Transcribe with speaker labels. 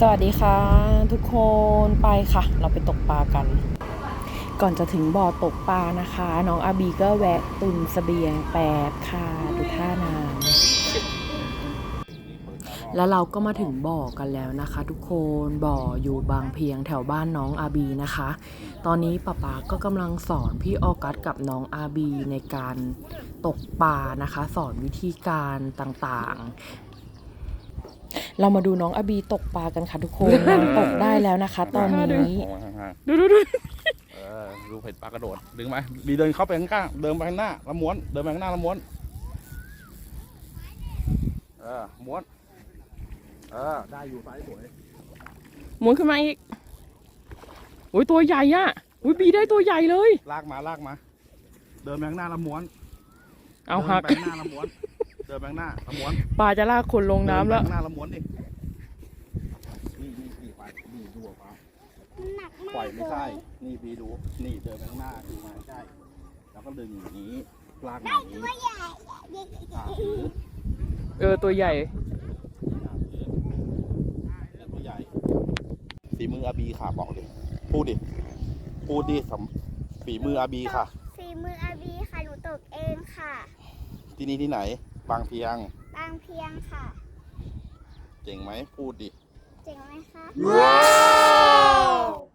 Speaker 1: สวัสดีค่ะทุกคนไปค่ะเราไปตกปลากันก่อนจะถึงบ่อตกปลานะคะน้องอาบีก็แวะตุนเสบียงแป๊บค่ะดูท่าน้ำแล้วเราก็มาถึงบ่อกันแล้วนะคะทุกคนบ่ออยู่บางเพียงแถวบ้านน้องอาบีนะคะตอนนี้ป๊าก็กำลังสอนพี่ออกัสกับน้องอาบีในการตกปลานะคะสอนวิธีการต่างๆเรามาดูน้องอาบีตกปลากันค่ะทุกคนนางตกได้แล้วนะคะตอนนี้
Speaker 2: ดูเห็ดปลากระโดดดึงไหมบีเดินเข้าไปข้างๆเดินไปข้างหน้าแล้วม้วนเดินไปข้างหน้าแล้วม้วนม้วนได้อยู่ซ้ายสวย
Speaker 1: ม้วนขึ้นมาอีกโอ้ยตัวใหญ่อะอุ้ยบีได้ตัวใหญ่เลย
Speaker 2: ลากมาเดินไปข้างหน้าแล้วม้วน
Speaker 1: เอาหัก
Speaker 2: เดินไปข้างหน้าแล้วม้วนเดินไปข้างหน้าแล้วม้วน
Speaker 1: ปลาจะลากคนลงน้ำแล้ว
Speaker 2: ข้างหน้าแล้วม้วนดินี่ไปนี่ดูออกมาปล่อยไม่ใช่นี่บีดูนี่เดินไปข้างหน้าดูมาใช่แล้วก็ดึงอย่างนี้ลากมาอย่างนี้
Speaker 1: ตัวใหญ่
Speaker 2: ตัวใหญ่ฝีมืออาบีค่ะบอกดิพูดดิฝีมืออาบีค่ะ
Speaker 3: ฝีมืออาบีค่ะหนูตกเองค่ะ
Speaker 2: ที่นี่ที่ไหนบางเพียง
Speaker 3: ค่ะ
Speaker 2: เจ๋งไหมพูดดิ
Speaker 3: เจ๋งไหมคะ
Speaker 2: ว้าว